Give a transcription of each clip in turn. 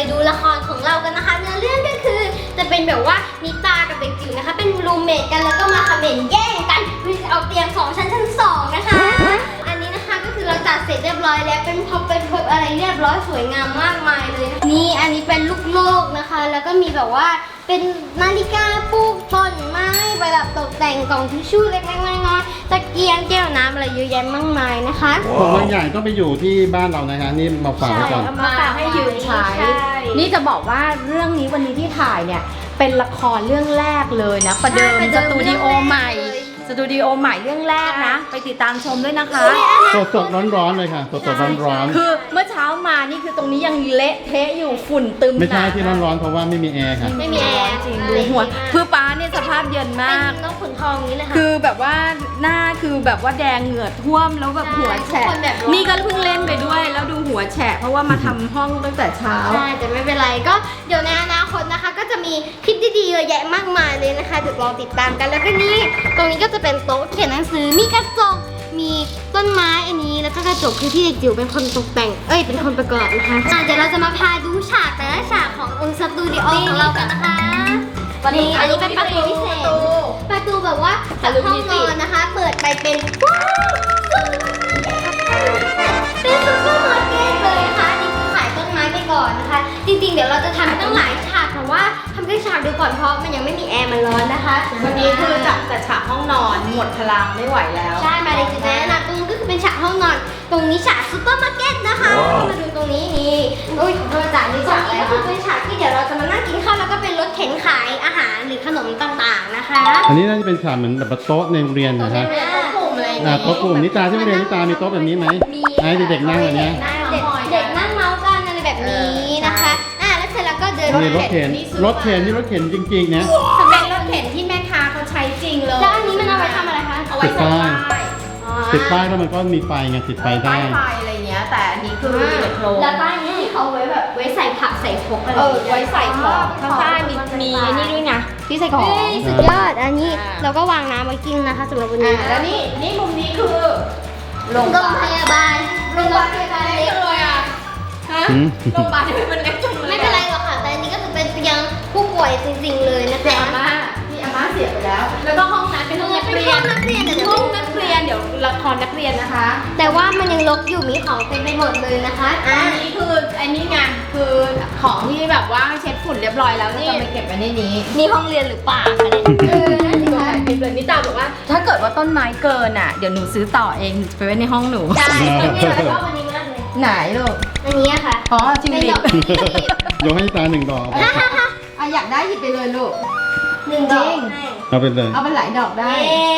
ดูละครของเรากันนะคะเนื้อเรื่องก็คือจะเป็นแบบว่านิตากับเด็กจิ๋วนะคะเป็นรูมเมทกันแล้วก็มาคอมเมนต์แย่งกันเอาเตียง2 ชั้น2นะคะอันนี้นะคะก็คือเราจัดเสร็จเรียบร้อยแล้วเป็นพ็อปอะไรเรียบร้อยสวยงามมากมายเลยนี่อันนี้เป็นลูกโลกนะคะแล้วก็มีแบบว่าเป็นนาฬิกาปลูกต้นไม้ประดับตกแต่งกล่องทิชชู่เล็กๆน้อยๆตะเกียงแก้วน้ำอะไรเยอะแยะมากมายนะคะของบางอย่างต้องไปอยู่ที่บ้านเรานะฮะนี่มาฝากไว้ก่อนมาให้ยืมใช้นี่จะบอกว่าเรื่องนี้วันนี้ที่ถ่ายเนี่ยเป็นละครเรื่องแรกเลยนะประเดิมสตูดิโอใหม่เรื่องแรกนะไปติดตามชมด้วยนะคะสดร้อนๆเลยค่ะสดร้อนคือเมื่อเช้ามานี่คือตรงนี้ยังเละเทะอยู่ฝุ่นตึมๆไม่ใช่ที่ร้อนๆเพราะว่าไม่มีแอร์ค่ะไม่มีแอร์จริงดูหัวคือป้าเนี่ยสภาพเย็นมากเป็นนกขุนทองนี้เลยค่ะคือแบบว่าหน้าคือแบบว่าแดงเหงื่อท่วมแล้วแบบหัวแฉะทุกคนแบบร้อนนี่ก็เพิ่งเล่นไปด้วยแล้วดูหัวแฉะเพราะว่ามาทำห้องตั้งแต่เช้าใช่แต่ไม่เป็นไรก็เดี๋ยวในอนาคตนะคะ ก็จะมีคลิปดีๆเยอะแยะมากมายเลยนะคะเดี๋ยวลองติดตามกันแล้วก็นี่ตรงนี้ก็จะเป็นโต๊ะเขียนหนังสือมีกระจกมีต้นไม้อันนี้แล้วก็กระจกคือที่เด็กจิ๋วเป็นคนตกแต่งเป็นคนประกอบนะคะเดี๋ยวเราจะมาพาดูฉากแต่ละฉากของสตูดิโอของเรากันนะคะวันนี้อันนี้เป็นประตูพิเศษประตูแบบว่าจากห้องนอนนะคะ เปิดไปเป็นว้าวเป็นซุปเปอร์มาร์เก็ตเลยนะคะนี่คือขายต้นไม้ไปก่อนนะคะจริงๆเดี๋ยวเราจะทำตั้งหลายฉากแต่ว่าทำแค่ฉากเดียวก่อนเพราะมันยังไม่มีแอร์มันร้อนนะคะวันนี้คือจัดแต่ฉากห้องนอนหมดพลังไม่ไหวแล้วใช่มาเลยจุดนั้นนะตรงนี้ก็คือเป็นฉากห้องนอนตรงนี้ฉากซุปเปอร์มาร์เก็ตนะคะมาดูตรงนี้นี่โอ้ยขอโทษจ้ะนี่ฉากอะไรก็คือเป็นฉากที่เดี๋ยวเราจะมานั่งกินข้าวแล้วก็เป็นรถเข็นขายอาหารหรือขนมต่างๆนะคะอันนี้น่าจะเป็นฉากเหมือนแบบโต๊ะในโรงเรียนนะฮะกลุ่มอะไรอย่างโต๊ะกลุ่มนิตาที่โรงเรียนนิตามีโต๊ะแบบนี้ไหมให้เด็กๆนั่งแบบนี้เด็กนั่งเมาส์กันอะไรแบบนี้นะคะแล้วเสร็จแล้วก็เดินนี่รถเข็นนี่รถเข็นจริงๆนะเป็นรถเข็นที่แม่ค้าเขาใช้จริงเลยแล้วอันนี้มันเอาไว้ทำอะไรคะเอาไว้ใส่ป้ายติดป้ายแล้วมันก็มีไฟไงติดไฟได้ป้ายไฟอะไรเงี้ยแต่อันนี้คือมีแต่โครงแล้วป้ายนี้ที่เขาไว้แบบไว้ใส่ผักใส่พกอะไรไว้ใส่ของข้างใต้มีนี่ด้วยไงที่ใส่ของสุดยอดอันนี้เราก็วางน้ำไว้กินนะคะสำหรับวันนี้แล้วนี่มุมนี้คือโรงโรงพยาบาลเล็กเลยอ่ะฮะอืมโรงพยาบาลที่มันเล็กจังเลยไม่เป็นไรหรอกค่ะแต่อันนี้ก็คือเป็นเตียงผู้ป่วยจริงๆเลยนะคะที่อาม่าเสียไปแล้ว แล้วก็ห้องนั้นเป็นห้องนักเรียนห้องนักเรียนห้องนักเรียนเดี๋ยวละครนักเรียนนะคะแต่ว่ามันยังรกอยู่มีของเต็มไปหมดเลยนะคะอันนี้คืออันนี้ไงคือของที่แบบว่าเช็ดฝุ่นเรียบร้อยแล้วแล้วจะไปเก็บไว้ในนี้นี่ห้องเรียนหรือเปล่าคะเนี่ยนั่นสิคะคลิปเลยนิตาบอกว่า ถ้าเกิดว่าต้นไม้เกินอ่ะเดี๋ยวหนูซื้อต่อเองไปไว้ในห้องหนูใช่เนี่ยเราชอบอันนี้มากเลยไหนลูกอันนี้อะค่ะอ๋อจริงเป็นดิดอกไม้ยกให้นิตา1 ดอกอ่ะอยากได้หยิบไปเลยลูกหนึ่งดอกเอาไปเลยเอาไปหลายดอกได้เย้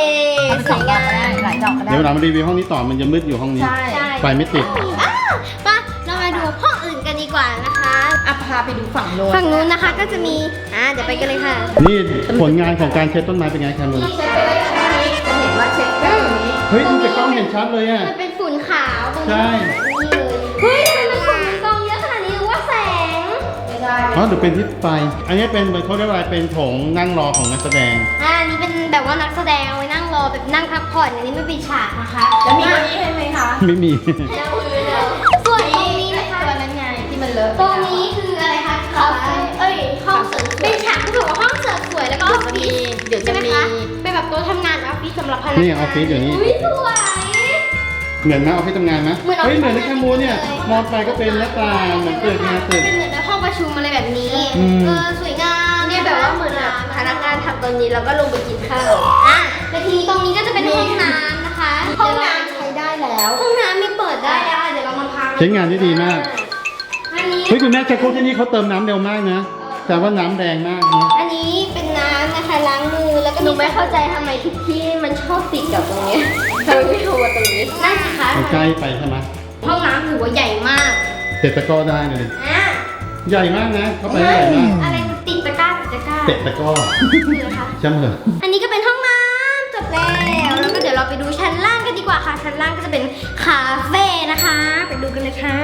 เอาไปสสอวงยดอกงาก็ได้มหลายดอกก็ได้เดี๋ยวเรามารีวิวห้องนี้ต่อมันจะมืดอยู่ห้องนี้ใช่ไฟไม่ติดป่ะเรามาดูห้องอื่นกันดีกว่านะคะอ่ะพาไปดูฝั่งโน้นฝั่งนู้นนะคะก็จะมีเดี๋ยวไปกันเลยค่ะนี่ผลงานของการเช็ดต้นไม้เป็นไงครับมึงเช็ดไปได้แค่นี้จะเห็นว่าเช็ดแค่ตรงนี้เฮ้ยดูจากกล้องเห็นชัดเลยอ่ะมันเป็นฝุ่นขาวตรงนี้ใช่นี่เลยเฮ้ยทำไมมันฝุ่นมันกองเยอะขนาดนี้หรือว่าแสงไม่ได้อ๋อเดี๋ยวเป็นที่ไฟอันนี้เป็นเขาเรียกว่าอะไรเป็นโถงนั่งรอของนักแสดงอันนี้เป็นแบบว่านักแสดงเอาไว้นั่งรอแบบนั่งพักผ่อนอันนี้ไม่เป็นฉากนะคะแล้วมีตัวนี้ให้ไหมคะไม่มีส่วนตรงนี้นะคะตัวนั้นไงที่มันเลอะตรงนี้คืออะไรคะห้องเสริมสวยเป็นฉากที่แบบว่าห้องเสริมสวยแล้วก็ออฟฟิศเดี๋ยวจะใช่ไหมมีคะเป็นแบบโต๊ะทำงานออฟฟิศสำหรับพนักงานนี่ออฟฟิศอยู่นี่อุ้ยสวยเหมือนไหมเอาไปทำงานไหมเหมือนเอาเฮ้ยไปเหมือนในทำงานแคมูเนี่ยเลยมองไปก็เป็นหน้าต่างเหมือนตึกงานตึกเป็นเหมือนแบบห้องประชุมอะไรแบบนี้อืมสวยงามเนี่ยแบบว่าเหมือนแบบพนักงานทำตรงนี้แล้วก็ลงไปกินข้าวแต่ทีนี้ตรงนี้ก็จะเป็นห้องน้ำนะคะห้องน้ำใช้ได้แล้วห้องน้ำมีเปิดได้เดี๋ยวเรามาพาใช้งานได้ดีมากอันนี้เฮ้ยคุณแม่ชักโครกที่นี่เขาเติมน้ำเร็วมากนะ แต่ว่าน้ำแรงมากนะอันนี้เป็นน้ำนะคะล้างมือแล้วก็หนูไม่เข้าใจทำไมทุกที่มันชอบติดกับตรงเนี้ยทำไมไม่โทรมาตรงนี้นั่นสิคะมันใกล้ไปใช่ไหมห้องน้ำถือว่าใหญ่มากเตะตะกร้อได้เลยดิอ่ะใหญ่มากนะเข้าไปใหญ่มากอะไรมันติดตะกร้าเตะตะกร้อคืออะไรคะใช่ไหมเหรออันนี้ก็เป็นห้องน้ำจบแล้วแล้วก็เดี๋ยวเราไปดูชั้นล่างกันดีกว่าค่ะชั้นล่างก็จะเป็นคาเฟ่นะคะ ไปดูกันเลยค่ะ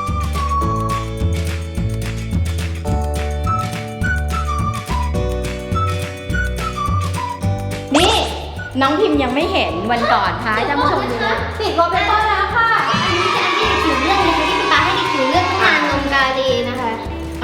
นี่น้องพิมพ์ยังไม่เห็นวันก่อนท้ายท่านผู้ชมดูปิดวอลเปเปอร์แล้วค่ะ อันนี้จะอันที่เด็กจิ๋วเลือกนะคะที่ป๊าให้เด็กจิ๋วเลือกตั้งนานนมกาเดนะคะ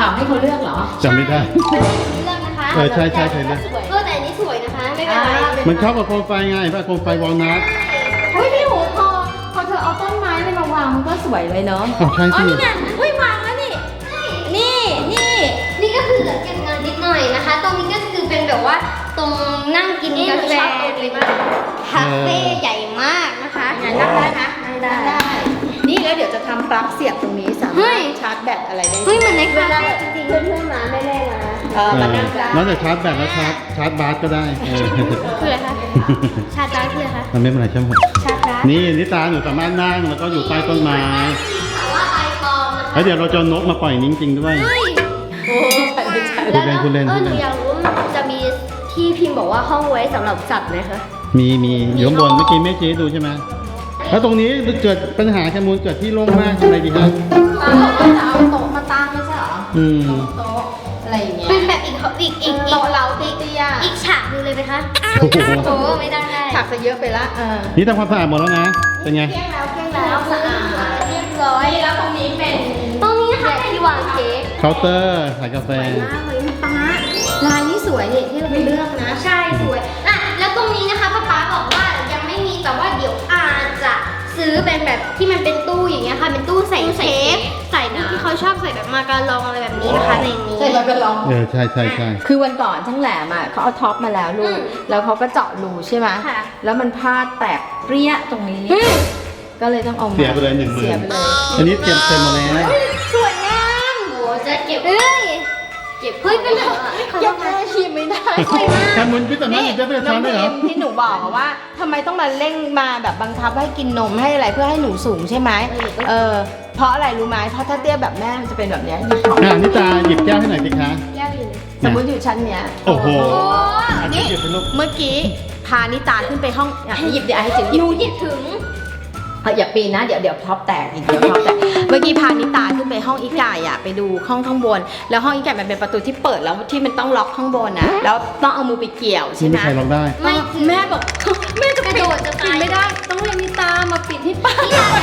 อ้าวให้เขาเลือกเหรอจำไม่ได้เลือกนะคะเออใช่เคยเลือกแต่อันนี้สวยนะคะ ไม่เป็นไรมันเข้ากับโคมไฟไงป่ะโคมไฟวอลนัทเฮ้ยพี่หูพอเธอเอาต้นไม้อะไรมาวางมันก็สวยเลยเนาะอ๋อใช่อ๋อสินี่ไงเฮ้ยวางแล้วนี่ นี่นี่ก็คือเหลือเก็บเงินนิดหน่อยนะคะ ตรงนี้ก็คือเป็นแบบว่าตรงนั่งกินกาแฟคาเฟ่ใหญ่มากนะคะนั่งได้นะนั่งได้ นี่แล้วเดี๋ยวจะทำปลั๊กเสียบตรงนี้สาเฮ้มารยถชาร์จแบตอะไรได้เฮ้ยเหมือนในเวคาลาเฟ่แบบจริงเพื่อนๆมาไม่ได้มามานั่งได้นอกจากชาร์จแบตแล้วชาร์จบาสก็ได้เออๆคืออะไรคะชาจาคืออะไรคะมันไม่เป็นไรใช่ไหมชาจานี่นิตาหนูสามารถนั่งแล้วก็อยู่ใต้ต้นไม้แต่ว่าใบปลอมนะคะแล้วเดี๋ยวเราจะเอานกมาปล่อยจริงๆด้วยเฮ้ยโอ้ใช่ใช่คุณเล่นหนูอยากรู้ว่ามันจะมีที่พิมพ์บอกว่าห้องไว้สำหรับสัตว์ไหมคะมีอยู่ข้างบนเมื่อกี้แม่ชี้ให้ดูใช่ไหมแล้วตรงนี้เกิดปัญหาแคมูลเกิดที่โล่งมากอะไรดีครับป้าบอกว่าจะเอาโต๊ะมาตั้งไม่ใช่เหรออืมโต๊ะอะไรอย่างเงี้ยเป็นแบบอีกโต๊ะเราเตี้ยอีกฉากหนึงเลยไหมคะโอ้โหโอ้ไม่ได้ๆถักไปเยอะไปละนี่ทำความสะอาดหมดแล้วนะ เป็นไงเกลี้ยงแล้วสะอาดเรียบร้อยแล้วตรงนี้เป็นตรงนี้นะคะที่วางเค้กเคาน์เตอร์ขายกาแฟมากเลยป้าลายนี่สวยนี่ที่เราไปเลือกนะใช่สวยอ่ะแล้วตรงนี้นะคะป๊าบอกว่ายังไม่มีแต่ว่าเดี๋ยวอาจจะซื้อเป็นแบบที่มันเป็นตู้อย่างเงี้ยค่ะ เป็นตู้ใส่เค้กใส่ที่เขาชอบใส่แบบมาการองอะไรแบบนี้นะคะในนี้ใช่เราก็ลองใช่คือวันก่อนช่างแหลมอ่ะเขาเอาท็อปมาแล้วลูก แล้วเขาก็เจาะรูใช่ไหมค่ะแล้วมันพลาดแตกเปรี้ยตรงนี้ ก็เลยต้องเอามาเสียไปเลย10,000 เสียไปเลยอันนี้เตรียมเต็มมาแล้วสวยงามโอ้จะเก็บเฮ้ยเก็บเฮ้ยเป็นแบบเก็บแม่ชิมไม่ได้สวยมากแคมูลพี่สามารถหยิบได้เป็นน้อช้อง นได้พิเหรอมที่หนูบอกอะว่าทำไมต้องมาเร่งมาแบบบังคับให้กินนมให้อะไรเพื่อให้หนูสูงใช่ไหมเพราะอะไรรู้ไหมเพราะถ้าเตี้ยแบบแม่มันจะเป็นแบบเนี้ยหยิบของนิตาหยิบแก้วให้หน่อยสิคะแก้วอยู่สมมติอยู่ชั้นเนี้ยโอ้โห อันนี้นี่หยิบเป็นลูกเมื่อกี้พานิตาขึ้นไปห้องอ่ะหยิบเดี๋ยวให้จิ๋วหยิหบนูหยิบถึงอย่าปีนนะเดี๋ยวท็อปแตกอีกเดี๋ยวท็อปแตกเมื่อกี้พานิตาขึ้นไปห้องอีกายอ่ะไปดูห้องข้างบน แล้วห้องอีกายมันเป็นประตูที่เปิดแล้วที่มันต้องล็อกข้างบนนะแล้วต้องเอามือไปเกี่ยวใช่นี่ไหมไม่ใครล็อกได้ไม่ถึงแม่บอก แม่จะกระปิโดดดจะปิตาดยไม่ได้ต้องให้นิตามาปิดให้ป้า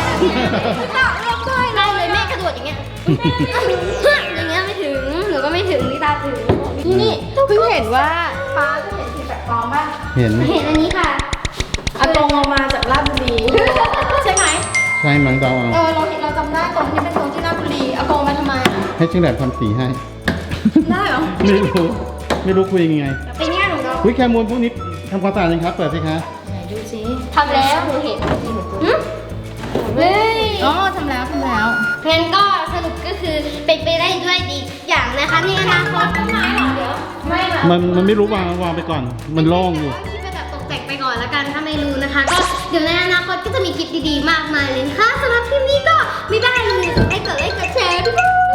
ได้เลยแม่กระโดดอย่างเงี้ยอย่างเงี้ยไม่ถึงหนูก็ไม่ถึงนี่ตาถึงนี่เพิ่งเห็นว่าป้าจะเห็นสีแปลกปลอมป่ะเห็นไหมเห็นอันนี้ค่ะอากงเอามาจากราชบุรีใช่ไหมใช่มั้งเดาเอาเราเห็นเราจำได้ตรงที่เป็นตรงที่ราชบุรีอากงมาทำไมอ่ะให้ช่างแหลมทำสีให้ได้เหรอไม่รู้คุยยังไงปีนี้หนูก็วิแคมูลพวกนี้ทำความสะอาดยังครับ เปิดสิคะไหนดูสิทำแล้วหนูเห็นเฮ้ยอ๋อทำแล้วงั้นก็สรุปก็คือเป็นไปได้ด้วยดีทุกอย่างนะคะในอนาคตต้นไม้หรอเดี๋ยวไม่หรอกมันไม่รู้วางไปก่อน มันโล่งอยู่คิดไปแบบตกแต่งไปก่อนแล้วกันถ้าไม่รู้นะคะ ก็เดี๋ยวในอนาคตก็จะมีคลิปดีๆมากมายเลยนะคะสำหรับคลิปนี้ก็ไม่ได้เลยให้กดไลค์กดแชร์ด้วย